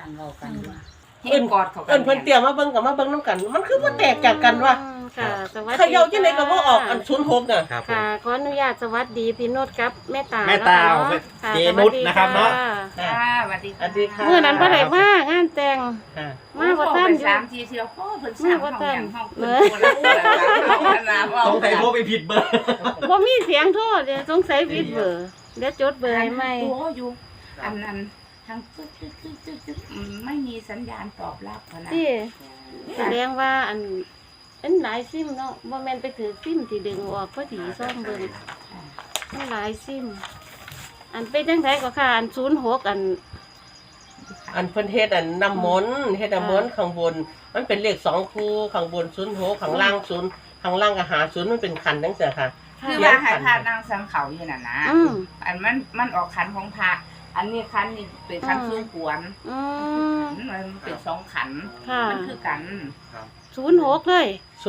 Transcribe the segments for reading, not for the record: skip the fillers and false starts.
สั่งเรากันว่าเอิ้นกอดเขาเพิ่นเตรียมมาเบิ่งกับมาเบิ่งนํกันมันคือบ่แตกจากกันว่ะค่ะสวัสดีเขย่าจังได๋ก็บ่ออกอัน06น่ะครับผมค่ะขออนุญาตสวัสดีพี่นุชครับแม่ตาแม่ตาค่ะเจนุชนะครับเนาะค่ะสวัสดีสวัสดีค่ะเมื่อนั้นบ่ได้มางานแต่งค่ะมาบ่ทันอยู่ 3 ทีเที่ยวพ่อเพิ่นสั่งห้องอย่างห้องเพิ่นสงสัยโทรไปผิดเบอร์บ่มีเสียงโทรเดี๋ยวสงสัยผิดเบอร์เดี๋ยวจดเบอร์ให้ใหม่ตัวอยู่อันนั้นทางตึ๊ดไม่มีสัญญาณตอบรับนะที่แสดงว่าอันหลายซิมเนาะบ่แม่นไปถือซิมที่ดึงออกพอดีซ่อมเบิ่งมันหลายซิมอันเป็นจังไดก็ค่ะอัน06 อันเพิ่นเฮ็ดอันน้ำมนต์เฮ็ดน้ำมนต์ข้างบนมันเป็นเลข2คู่ข้างบน06ข้างล่าง0ข้างล่างก็หา0มันเป็นคันจังซี่ค่ะคือว่าให้พานางสังเขาอยู่น่ะนะ อันมันออกขันของพระอันนี้ขันนี่เป็นขันสู้กวนมันเป็น2ขันค่ะมันคือกัน 06เลย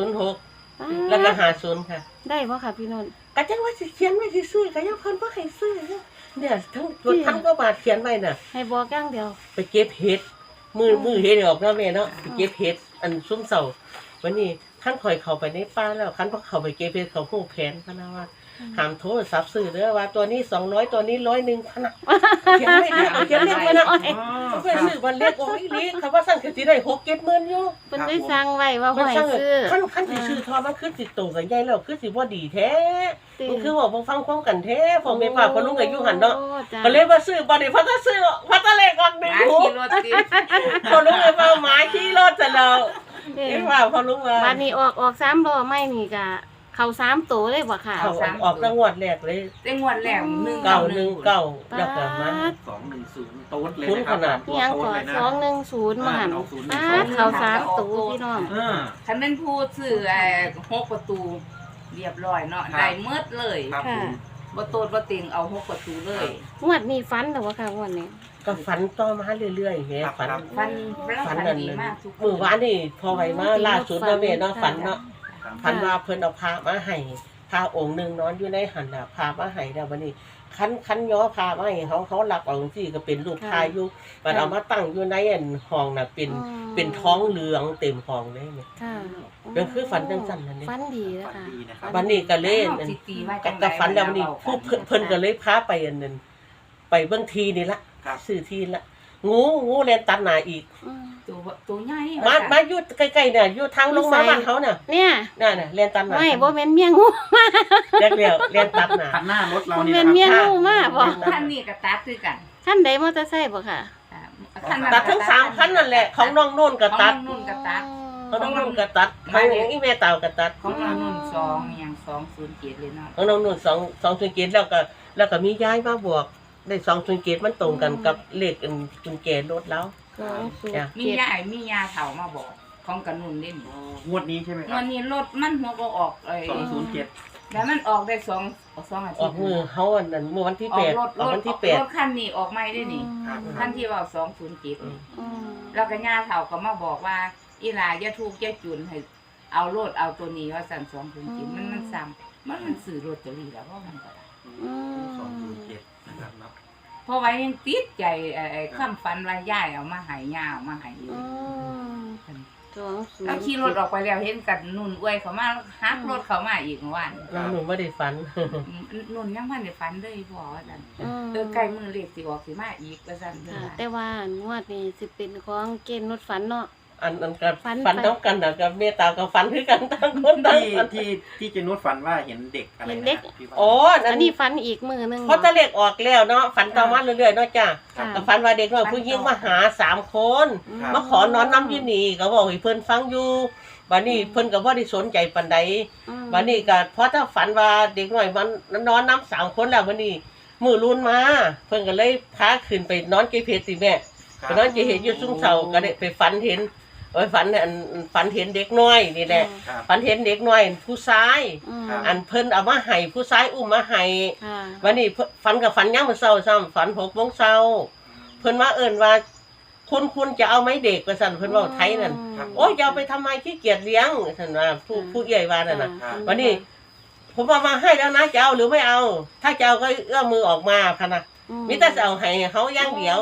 06แล้วก็หา0ค่ะได้บ่ค่ะพี่นนท์ก็จังว่าสิเขียนไว้ซื่อๆก็ยังเพิ่นบ่ให้ซื้อเนี่ยทั้งก็บาทเขียนไว้น่ะให้บอกอย่างเดียวไปเก็บเห็ดมือเห็ดออกเนาะแม่เนาะไปเก็บเห็ดอันซุ่มเสาวันนี้ท่านคอยเข้าไปในป่าแล้วคันพอเข้าไปเก็บเห็ดเขาฮู้แผนพะนะว่าห้ามโทรศัพท์ซื้อเด้อว่าตัวนี้200ตัวนี้100พะนะเขียนไม่ได้เขียนเลขไว้นะเพิ่นซื้อวันเลขโอ้ยลีเขาว่าสั่งสิได้6-7 หมื่นอยู่เพิ่นได้สั่งไว้ว่ามันให้สั่งซื้อคันสิซื้อทอมันคือสิโตกันใหญ่แล้วคือสิบ่ดีแท้มันคือว่าบ่ฟังความกันแท้พ่อแม่ป้าพ่อลุงก็อยู่หั่นเนาะก็เลยว่าซื้อบ่ได้เพราะถ้าซื้อเพราะถ้าเลขออก1 หาขี่รถติดพอลุงเลยว่าหมาขี่รถจะเราเอ้ว่าพอลุงว่าบัดนี้ออก3ล้อไม่นี่ก็เข้า3ตัวเลยบ่ค่ะเขาออกจังหวัดแรกเลยแต่งวดแรก 919แล้วก็มา 210โต๊ดเลยคุ้นนะคขรับนาดอิหยังก่อน210มาหั่นเข้า3ตัวพี่น้องคันเป็นผู้ซื้อ6ประตูเรียบร้อยเนาะได้หมดเลยครับผมบ่โตดบ่ติงเอา6ประตูเลยงวดนี้ฝันแต่ว่าค่ะงวดนี้ก็ฝันต่อมาเรื่อยๆแม่ฝันฟันดีมากทุกมื้อวานนี่พอไว้มาล่าสุดเนาะแม่เนาะฝันเนาะฝันว่าเพิ่นเอาพระมาให้พระองค์นึงนอนอยู่ในหันน่ะพามาให้แล้วบัดนี้คันย้อพามาให้เขาหลักเอาจังซี่ก็เป็นรูปพายอยู่บัดเอามาตั้งอยู่ในอันห้องน่ะเป็นท้องเหลืองเต็มห้องเลยแม่ค่ะนั่นคือฝันจังซั่นนั่นนี่ฝันดีแล้วฝันค่ะดีนะครับบัดนี้ก็เล่นสิตีว่าจังได๋ก็ฝันแล้วนี่ผู้เพิ่นก็เลยพาไปอันนั้นไปเบิ่งทีนี่ละครับซื้อทีละงูแล่นตัดหน้าอีกตัวใหญ่มาอยู่ใกล้ๆเนี่ยอยู่ทางลงมาบ้านเขาน่ะเนี่ยนั่นน่ะแล่นตัดหน้าไม่บ่แม่นเมียงูแรกแล้วแล่นตัดหน้าคันหน้ารถเราบ่เนี่ยแม่นนะเมียครับงูมาบ่ท่านนี่ก็ตัดคือกันคันใดมอเตอร์ไซค์บ่ค่ะตัดทั้ง3คันนั่นแหละของน้องโน่นก็ตัดนุ่นก็ตัดของน้องโน่นก็ตัดของอีแม่เต่าก็ตัดของเรานุ่น2อย่าง207เลยเนาะของน้องโน่น2 2แล้วก็มีย้ายมาบวกได้2มันตรงกันกับเลขกุญแจรถแล้วมียาเฒ่ามาบอกของกระนุ่นเล่นงวดนี้ใช่ไหมครัวับนนี้รถมันหัวก็ออก 207 แล้วมันออกได้2อาทิตย์ออกมือเฮาอันนั้นเมื่อวันที่ออก 8 รถออกวันที่รถคันนี้ออกใหม่ได้นี่คันที่ว่า207แล้วก็ยาเฒ่าก็มาบอกว่าอีหลาอย่าทุกข์อย่าจุนให้เอารถเอาตัวนี้ว่าสั่น207มันซ้ำมันซื้อรถตัวนี้แล้วเพราะมันก็ได้ 207นะครับเนาะเพราะว่ายังติดใจคำฝันว่าย่ายเอามาให้ย่าเอามาให้อยู่เอาขี่รถออกไปแล้วเห็นกันนุ่นอวยเขามาฮักรถเขามาอีกเมื่อวานน้องหนูไม่ได้ฝันนุ่นยังพันได้ฝันเลยพ่อว่าซั่นใกล้มือเลขสิออกสิมาอีกว่าซั่นเพิ่นว่าแต่ว่างวดนี้สิเป็นของเกณฑ์รถฝันเนาะอันกับฝันน้องกันนะกับเมตตากับฝันคือกันต่างคนต่างฝันที่เจนุชฝันว่าเห็นเด็กอะไรนะพี่ว่าโอ้อันนี้ฝันอีกมือนึงเพราะตะเล็กออกแล้วเนาะฝันต่อมาเรื่อยๆเนาะจ้ะก็ฝันว่าเด็กน้อยผู้หญิงมาหา3 คนมาขอนอนน้ำอยู่นี่ก็บอกให้เพิ่นฟังอยู่บัดนี้เพิ่นก็บ่ได้สนใจปานใดบัดนี้ก็เพราะถ้าฝันว่าเด็กน้อยมันนอนน้ำ3 คนแล้วบัดนี้มื้อรุ่นมาเพิ่นก็เลยพาขึ้นไปนอนเกเพสิแม่ไปนอนเกเพอยู่ซุ้มเสาก็ได้ไปฝันเห็นฝันเห็นเด็กน้อยนี่แหละฝันเห็นเด็กน้อยผู้ชายอันเพิ่นเอามาให้ผู้ชายอุ้มมาให้วันนี้ฝันกับฝันยามมื้อเช้าซ้ำฝัน6 โมงเช้าเพิ่นมาเอิ้นว่าคุณจะเอาไหมเด็กว่าซั่นเพิ่นเว้าไทยนั่นโอ้ยจะเอาไปทำไมขี้เกียจเลี้ยงซั่นว่าผู้ใหญ่ว่านั่นน่ะวันนี้ผมเอามาให้แล้วนะจะเอาหรือไม่เอาถ้าจะเอาก็เอื้อมมือออกมาคั่นน่ะมีแต่จะเอาให้เขาอย่างเดียว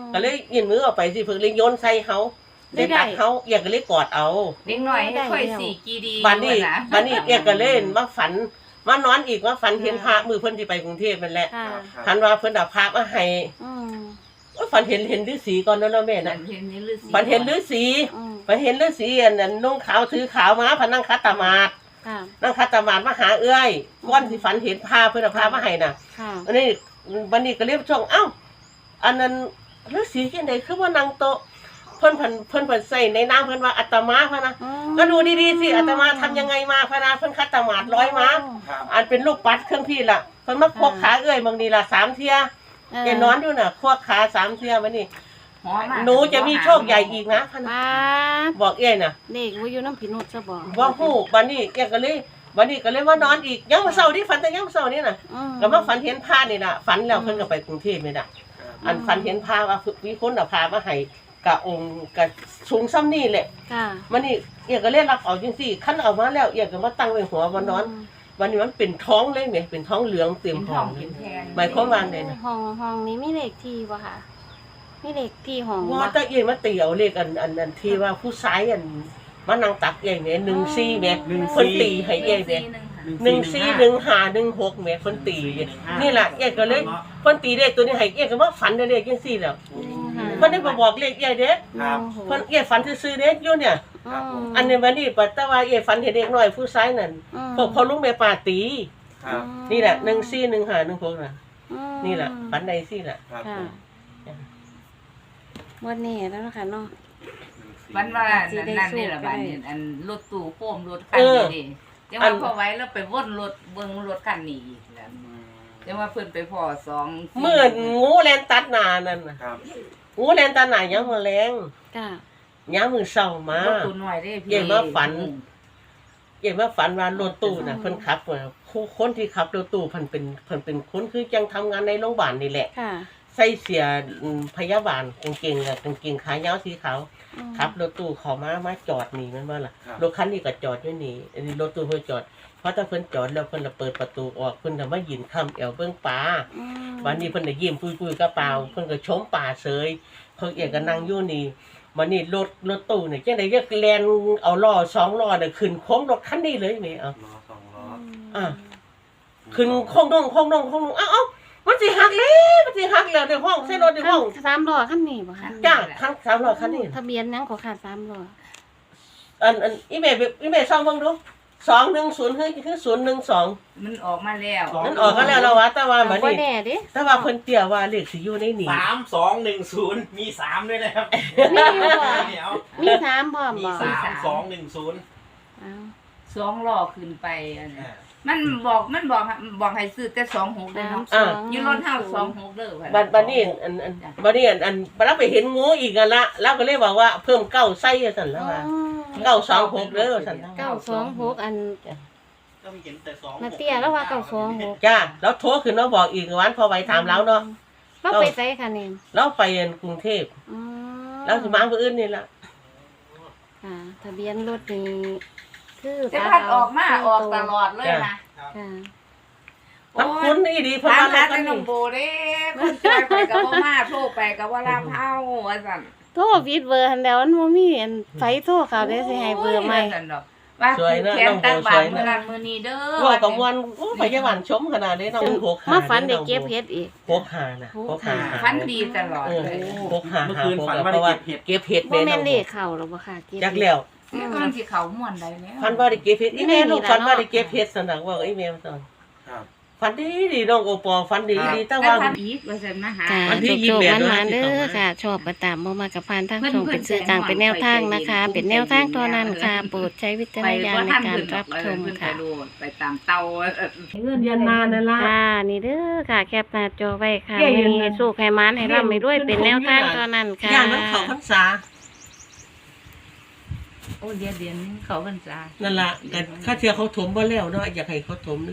ก็เลยยื่นมือออกไปสิเพิ่นเลยโยนใส่เฮาได้ตักเฮาเอียก็เลยกอดเอาเด็กน้อยให้ค่อยสี่กีดีบัดนี้ว่าะบัดนี้เอียก็เลยมาฝันมานอนอีกว่าฝันเห็นพระมือเพิ่นสิไปกรุงเทพนั่นแหละค่ะฝันว่าเพิ่นเอาพระมาให้อืมว่าฝันเห็นฤาษีก่อนเนาะแม่ฝัน่ะนเห็นนี่ฤาษีฝันเห็นฤาษีอืมฝันเห็นฤาษีอันนั้นนุ่งขาวถือขาวมาพะนั่งคัตตามาดค่ะนั่งคัตตามาดมาหาเอื้อยก้อนสิฝันเห็นพระเพิ่นเอาพระมาให้น่ะค่ะอันนี้วันนี้ก็เรียกช่องเอ้าอันนั้นฤาษีที่ไหนคือว่านั่งโต๊ะเพิ่นใส่ในน้ำเพิ่นว่าอาตมาพะนะอืมก็ดูดีๆสิอาตมาทำยังไงมาพะนะเพิ่นคัตตามาดร้อยมาครับอันเป็นลูกปัดเครื่องพี่ล่ะเพิ่นมาควกขาเอื้อยบางทีล่ะ3เที่ยแกนอนอยู่น่ะควกขา3เที่ยวันนี้หอมากหนูจะมีโชคใหญ่อีกนะพะนะป้าดบอกเอ้ยน่ะเด็กว่าอยู่น้ำผีนุชซะบ่ว่าฮู้วันนี้เอ้ยก็เลยวันนี้ก็เลยว่านอนอีกยังมาเช้านี่ฝันแต่ยังเช้านี่น่ะอืมก็มาฝันเห็นพระนี่น่ะฝันแล้วเพิ่นก็ไปกรุงเทพนี่น่ะ อันฝันเห็นพระว่ามีคนเอาพามาให้กะองค์กะสูงซ้ำนี่แหละค่ะมันนี่เอียก็เล่นรับเอาจังซี่คันเอามาแล้วเอียก็มาตั้งไว้หัววันนอน วันนี้มันเป็นท้องเลยแหมเป็นท้องเหลืองเต็มเป็นทท้ออง งเป็นแทนหมายความว่าไงนะห้องนี้มีเลขที่บ่ค่ะมีเลขที่ห้องว่าแต่เอียมาตีเอาเลขอันที่ว่าผู้ชายอันมานั่งตักเอียแหม14แหมเพิ่นตีให้เอียแหม 141516แหมเพิ่นตีนี่ล่ะเอียก็เลยเพิ่นตีเลขตัวนี้ให้เอียก็มาฝันได้เลขจังซี่แล้วเพิ่นได้มาบอกเลขเอียเด้ครับเพิ่นเอียฝันซื่อๆเด้อยู่เนี่ยอืมอันนี้วันนี้ปัตตาวาเอียฝันเห็นเด็กน้อยผู้ชายนั่นพวกพ่อลุงแม่ป้าตีครับนี่แหละ141516น่ะอืมนี่แหละฝันใดสิล่ะครับค่ะวันนี้แล้วนะคะเนาะวันว่าสินั่นได้นั่นนี่ละสู้บาดได้นี้อันรถตู้โค้มรถคันนี้ดิจังว่าพอไว้แล้วไปวนรถเบิ่งรถคันนี้อีกแล้วจังว่าเพิ่นไปพ้อ2 เมื่องูแลนตัดหน้านั่นน่ะครับงูแลนตัดหน้ายังมาแรงค่ะยามมื้อเช้ารถตู้น้อยเด้พี่เกี่ยวมาฝัน เกี่ยวว่าฝันว่ารถตู้น่ะเพิ่นขับว่าคนที่ขับรถตู้เพิ่นเป็นคนคือจังทำงานในโรงพยาบาลนี่แหละค่ะใส่เสียพยาบาลกางเกงขายาวสีขาวอืมขับรถตู้เขามาจอดนี่แม่นบ่ล่ะครับรถคันนี้ก็จอดอยู่นี่อันนี้รถตู้เพิ่นจอดเพราะถ้าเพิ่นจอดแล้วเพิ่นละเปิดประตูออกเพิ่นน่ะมายืนค้ำแอวเบิ่งปลาอืมวันนี้เพิ่นน่ะยิ้มปุยๆกระเป๋าเพิ่นก็ชมป่าเสยเพิ่นเอกก็นั่งอยู่นี่วันนี้รถตู้นี่จังได๋จะแล่นเอาล้อ2ล้อน่ะขึ้นโค้งรถคันนี้เลยแม่เอาล้อสองล้ออ่ะ ขึ้นโค้งดงเอ้ามันสิหักแล้วในห้องใส่รถในห้องสามล้อคันนี้บ่คะจ้าคัน3ล้อคันนี้ทะเบียนหยังก็ขาดสามล้ออันอีเมลซ่อมเบิ่งดู210คือ012 มันออกมาแล้วนั่นออกกันแล้วเราว่าแต่ว่าบัดบ่นี้แน่เด้แต่ว่าเพิ่นเตี้ยว่าเลขสิอยู่ในนี่ 3210มี3ด้วยนะครับมีอยู่บ่เดี๋ยวมีสามพร้อมมีบ่ 3210 อ้าว 2ล้อขึ้นไปอันนี้มันบอกให้ซื้อแต่26เด้อเนาะสามสองอยู่รถเฮา26เด้อว่าบัดนี้บัดนี้เราไปเห็นงูอีกกันละเราก็เลยบอกว่าเพิ่มเก้าไส้ซั่นแล้วว่า926เด้อซั่น 926อันก็มีเห็นแต่2 นาเตี้ยแล้วว่า926 จ้าแล้วโทรขึ้นมาบอกอีกวันพอไว้ถามแล้วเนาะเราไปไสคะนี่เราไปกรุงเทพอืมแล้วสิมาผู้อื่นนี่ล่ะค่ะทะเบียนรถนี่คือแต่พัดออกมาออกตลอดเลยนะค่ะมันคุ้นอีดีเพิ่นถามว่าหาเรากัแต่นน้องนี่โบเด้คนจอยไปกับบ่มาโทรไปกับว่าลามเฮาว่าซั่นโทรผิดเบอร์หันแล้วมันบ่มีอันไฟโทรเขาได้สิให้เบอร์ใหม่ว่าซั่นดอกว่าแขนตักบาทมื้อนั้นมื้อนี้เด้อว่ากับวันโอ้พยาบาลชมขนาดนี้น้อง6 มาฝันได้เก็บเฮ็ดอีก 6 นะฟันดีตลอดเลย 6 เมื่อคืนฝันว่าได้เก็บเห็ดเก็บเห็ดบ่แม่แม่น้อน งเลขเข้าหรอกบ่ค่ะเก็บจักแล้วนี่มันสิเข้าม่วนได้แล้วฟันว่าได้เก็บเห็ดอีเมลลูกฟันว่าได้เก็บเห็ดสนักว่าอีเมลตอนครับฟันดีน้องโอปอฟันดีแต่แต่ว่าพันอีกว่าซั่นมาหาค่ะวันที่โชค 28 ๆมันๆเด้อค่ะ ชอบประตามบ่มากับพานทางช่องเป็นสื่อกลางเป็นแนวทางนะคะ เป็นแนวทางเท่านั้นค่ะ โปรดใช้วิจารณญาณในการรับชมค่ะไปตามเตาเงินเดือนนานนั่นล่ะค่ะนี่เด้อค่ะ แคปหน้าจอไว้ค่ะแก้ยืนมีให้สู้ให้มันให้ร่ำให้รวยเป็นแนวทางเท่านั้นค่ะย่างมันเข้าพรรษาโอ้เดือนนี้เขาพรรษานั่นล่ะก็ข้าเชื่อเขาถมบ่แล้วเนาะอยากให้เขาถม